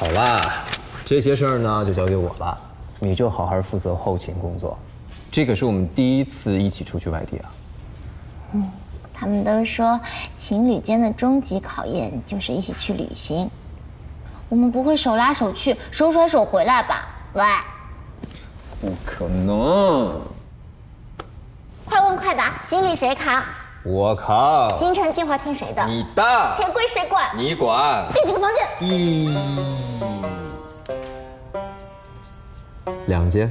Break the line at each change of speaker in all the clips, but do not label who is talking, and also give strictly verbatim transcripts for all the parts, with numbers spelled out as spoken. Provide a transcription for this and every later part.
好啦，这些事儿呢就交给我了，你就好好负责后勤工作。这可是我们第一次一起出去外地啊。
嗯，他们都说情侣间的终极考验就是一起去旅行。我们不会手拉手去，手甩手回来吧？喂，
不可能！
快问快答，行李谁扛？
我扛。
行程计划听谁的？
你的。
钱归谁管？
你管。
订几个房间？
一，两间。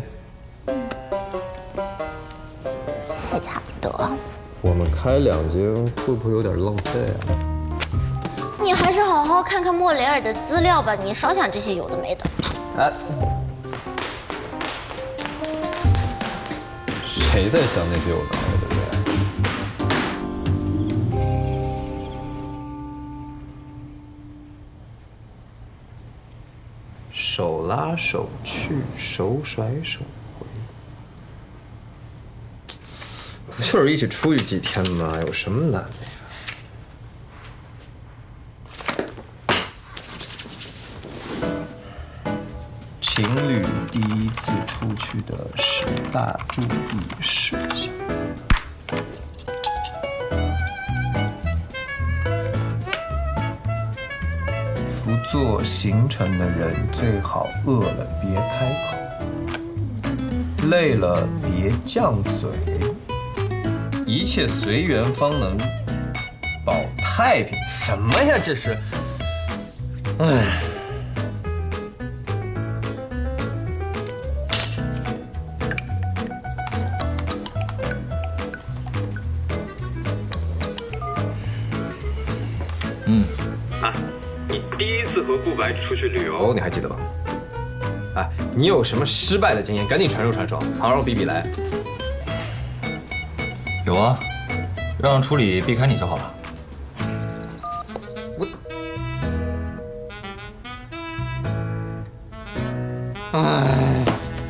还差不多。
我们开两间会不会有点浪费啊？
你还是好好看看莫雷尔的资料吧，你少想这些有的没的。
哎，谁在想那些有的没的？手拉手去，手甩手回，不就是一起出去几天吗？有什么难的呀？情侣第一次出去的十大注意事项。不做行程的人最好饿了别开口，累了别犟嘴，一切随缘方能保太平。什么呀这是？哎。
嗯，啊，你第一次和顾白出去旅游，
哦，你还记得吧？哎，你有什么失败的经验，赶紧传授传授，好让我比比来。
有啊，让处理避开你就好了。
我，哎，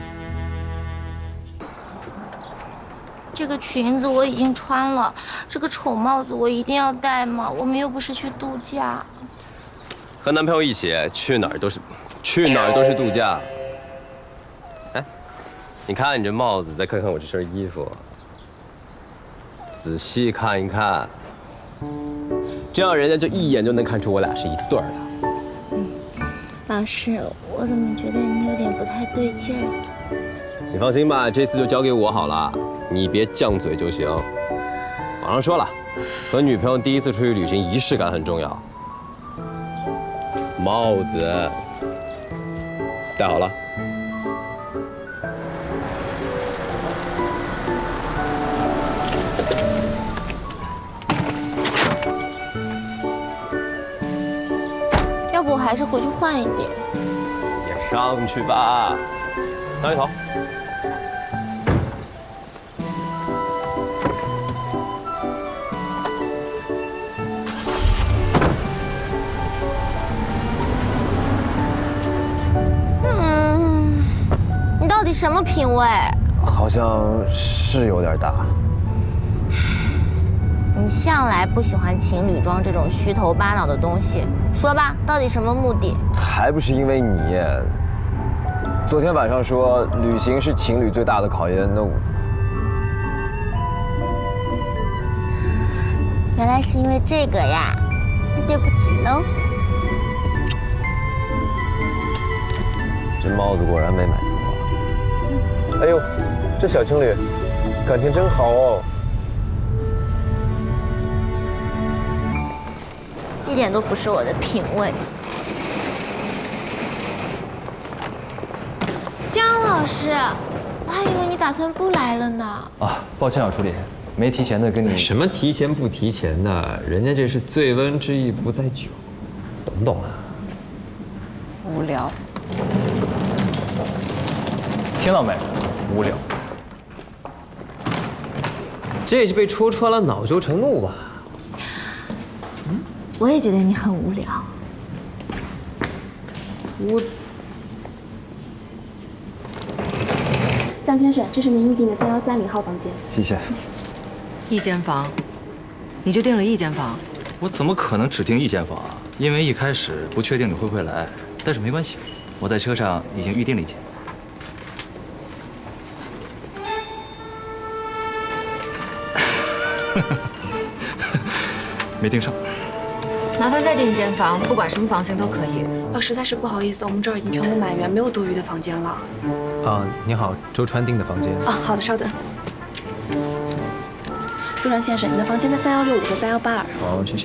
这个裙子我已经穿了，这个丑帽子我一定要戴吗？我们又不是去度假。
和男朋友一起去哪儿都是，去哪儿都是度假。哎，你看你这帽子，再看看我这身衣服，仔细看一看，这样人家就一眼就能看出我俩是一对儿的。
嗯，老师，我怎么觉得你有点不太对劲儿？
你放心吧，这次就交给我好了，你别犟嘴就行。网上说了，和女朋友第一次出去旅行，仪式感很重要。帽子戴好了。
要不我还是回去换一点。
也上去吧，张一头。
到底什么品味？
好像是有点大。
你向来不喜欢情侣装这种虚头巴脑的东西，说吧，到底什么目的？
还不是因为你。昨天晚上说旅行是情侣最大的考验，那我……
原来是因为这个呀，那对不起喽。
这帽子果然没买错。哎呦，这小情侣感情真好哦。
一点都不是我的品味。姜老师，我还以为你打算不来了呢。
啊，抱歉啊，助理，没提前的跟你。
什么提前不提前的？人家这是醉翁之意不在酒，懂不懂啊？
无聊。
听到没？无聊。
这是被戳穿了，恼羞成怒吧？
嗯，我也觉得你很无聊。
我，
江先生，这是您预订的三幺三零号房间。
谢谢。
一间房，你就订了一间房？
我怎么可能只订一间房啊？因为一开始不确定你会不会来，
但是没关系，我在车上已经预定了一间。没订上。
麻烦再订一间房，不管什么房型都可以。
哦，实在是不好意思，我们这儿已经全部满员，没有多余的房间了。
啊，你好，周川订的房间。
啊，好的，稍等。周川先生，你的房间在三幺六五和三幺八二。
好，谢谢。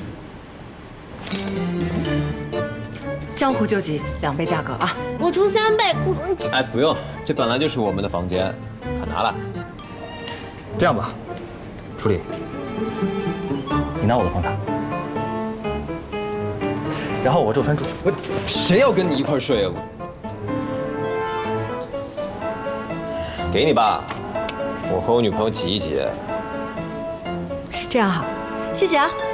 江湖救急，两倍价格啊！
我出三倍，不。
哎，不用，这本来就是我们的房间，快拿来。
这样吧，楚理，你拿我的房卡，然后我周川住。
我谁要跟你一块睡啊？我给你吧，我和我女朋友挤一挤。
这样好，谢谢啊。